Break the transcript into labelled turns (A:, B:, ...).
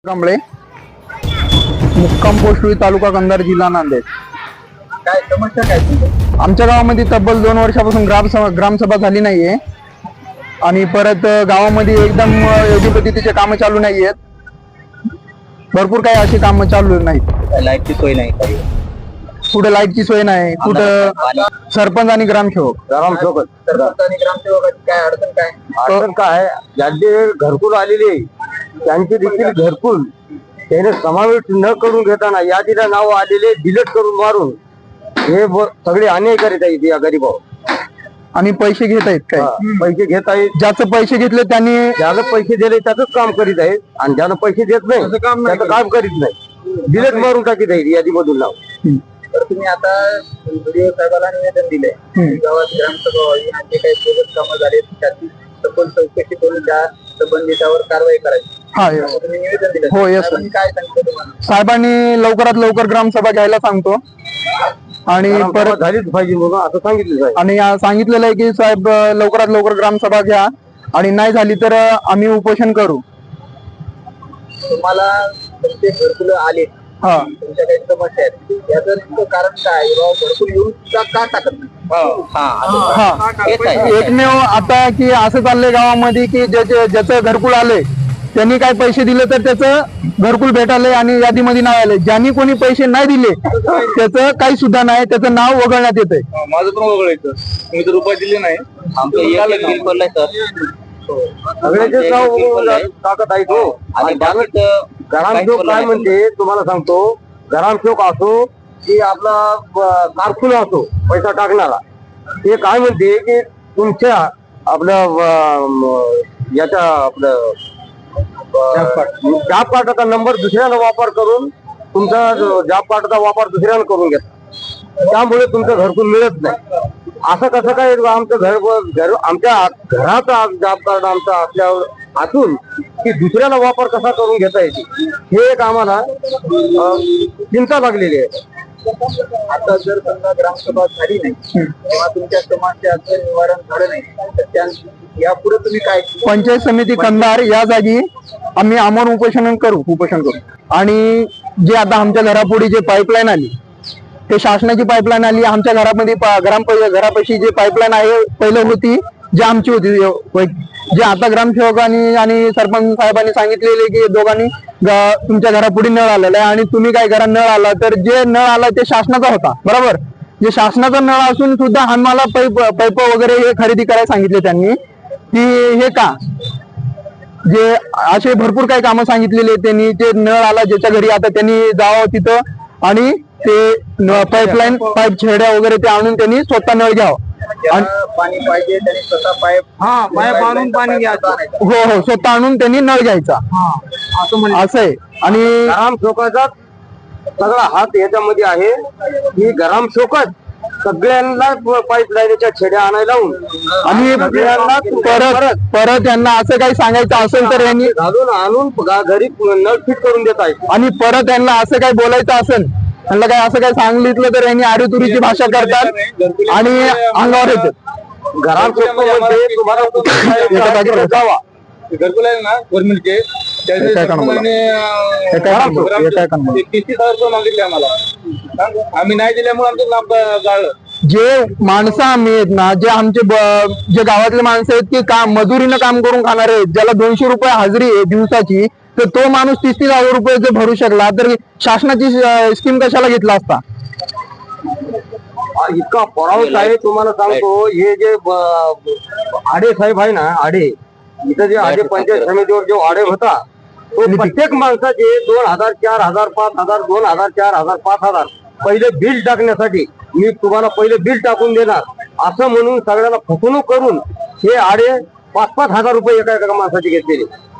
A: कांबळे, मुक्काम पोस्ट तालुका कंधार, जिल्हा नांदेड.
B: काय समस्या काय तुमची?
A: आमच्या गावामध्ये तब्बल 2 वर्षापासून ग्रामसभा झाली नाहीये आणि परत गावामध्ये एकदम योग्य पद्धतीचे कामं चालू नाहीयेत. भरपूर काही अशी कामं चालू नाहीत.
B: लाईटची सोय नाही काही.
A: कुठे लाईटची सोय नाही, कुठं सरपंच आणि ग्रामसेवक
B: सरपंच आणि ग्रामसेवकाची काय अडचण काय?
C: अडचण काय, ज्यांचे घरकुल आलेले त्यांचे देखील घरकुल त्याने समावेश न करून घेताना यादीला नाव आलेले डिलीट करून मारून हे सगळे अन्याय करीत आहेत या गरीबावर.
A: आणि पैसे घेत आहेत काय?
C: पैसे घेत आहेत.
A: ज्याचं पैसे घेतले त्यांनी
C: ज्याला पैसे दिले त्याच काम करीत आहेत आणि ज्याला पैसे देत नाही त्याचं काम करीत नाही. डिलीट मारून टाकीत आहेत यादीमधून नाव.
B: तर तुम्ही आता व्हिडिओ साहेबाला निवेदन दिले गावात ग्रामसभा व्हावी आणि जे काही प्रोजेक्ट कामं झाले त्याची सखोल चौकशी करून त्या संबंधितावर कारवाई करायची.
A: हा
B: तुम्ही निवेदन दिले.
A: हो, yes,
B: साहेबांनी काय सांगितलं तुम्हाला?
A: साहेबांनी लवकरात लवकर ग्रामसभा घ्यायला सांगतो आणि परत
C: झालीच पाहिजे म्हणून असं सांगितलं आहे.
A: आणि सांगितलेलं आहे की साहेब लवकरात लवकर ग्रामसभा घ्या आणि नाही झाली तर आम्ही उपोषण करू.
B: तुम्हाला तुमचे घरकुल आले,
A: हा,
B: तुमच्या काही समस्या आहेत, याचं नेमकं कारण काय? घरकुल येऊन सुद्धा का टाकत नाही?
A: हा, एकमेव आता की असं चाललंय गावामध्ये की ज्याचं घरकुल आले त्यांनी काय पैसे दिले तर त्याचं घरकुल भेटायलंय आणि यादीमध्ये नाव आलंय. ज्यांनी कोणी पैसे नाही दिले त्याचं काही सुद्धा नाही, त्याचं नाव वगळण्यात येतंय.
D: माझं पण वगळायचं, मी तर रुपये दिले नाही.
C: सगळ्याचे नाव टाकत आहे तो. आणि ग्रामसेवक काय म्हणते तुम्हाला सांगतो, ग्रामसेवक असो की आपला कारकुन असो पैसा टाकणारा, ते काय म्हणते की तुमच्या आपलं याच्या आपलं जॉब कार्डाचा नंबर दुसऱ्याला वापर करून तुमचा जॉब कार्डाचा वापर दुसऱ्याला करून घेता, त्यामुळे तुमचं घरकुल मिळत नाही. असं कसं काय? आमचं घर आमच्या घराचा जॉब कार्ड आमचा असल्यावर असून की दुसऱ्याला वापर कसा करून घेता येते, हे एक आम्हाला चिंता लागलेली आहे.
B: आता जर समजा ग्रामसभा झाली नाही किंवा तुमच्या समस्याचं निवारण झालं नाही तर यापुढे तुम्ही काय?
A: पंचायत समिती कंधार या जागी आम्ही आमरण उपोषण करू. आणि जे आता आमच्या घरापुढे जे पाईपलाईन आली ते शासनाची पाईपलाईन आली. आमच्या घरामध्ये घरापाशी जे पाईपलाईन आहे पहिलं होती, जी आमची होती, जे आता ग्रामसेवकांनी आणि सरपंच साहेबांनी सांगितलेले की दोघांनी तुमच्या घरापुढे नळ आलेला आहे आणि तुम्ही काय करा, नळ आला तर जे नळ आला ते शासनाचा होता, बरोबर. जे शासनाचा नळ असून सुद्धा आम्हाला पाईप वगैरे हे खरेदी करायला सांगितले त्यांनी. की हे का, जे असे भरपूर काही कामं सांगितलेले त्यांनी. ते नळ आला ज्याच्या घरी आता त्यांनी जावं तिथं आणि ते पाईप छेड्या वगैरे ते आणून त्यांनी स्वतः नळ घ्यावं.
B: पाणी पाहिजे त्यांनी स्वतः पाईप
C: आणून पाणी घ्यायचं.
A: हो, स्वतः आणून त्यांनी नळ घ्यायचा असं आहे. आणि
C: ग्रामसेवकाचा सगळा हात याच्यामध्ये आहे की ग्रामसेवकच सगळ्यांना पाईपलाईनच्या छेड्या आणायला लावून
A: आणि परत यांना असं काही सांगायचं असेल तर यांनी
C: घालून आणून घरी नळ फिट करून देत आहेत.
A: आणि परत यांना असं काही बोलायचं असेल, त्यांना काही असं काही सांगितलं तर यांनी आडीतुरीची भाषा करतात आणि अंगावर येतात.
C: ग्रामसेवक तुम्हाला जावा
D: घरकुल आहे ना गव्हर्नमेंटचे, मागितले आम्हाला, आम्ही नाही दिल्यामुळे आमचं लांब जाळलं.
A: जे माणसं आम्ही आहेत ना, जे आमचे जे गावातले माणसं आहेत की काम मजुरीनं काम करून खाणारे आहेत, ज्याला 200 रुपये हाजरी आहे दिवसाची, तर तो माणूस 30,000 रुपये जर भरू शकला तर शासनाची स्कीम कशाला घेतला असता?
C: इतका परावत आहे तुम्हाला सांगतो. हे जे आडे साहेब आहे ना, आडे इथं जे आडे पंचायत समितीवर जो आडे होता तो प्रत्येक माणसाचे 2,000, 4,000, 5,000, 2,000, 4,000, 5,000 पहिले बिल टाकण्यासाठी मी तुम्हाला पहिले बिल टाकून देणार असं म्हणून सगळ्याला फसवणूक करून हे आडे 5-5 हजार रुपये एका माणसाचे घेतलेले.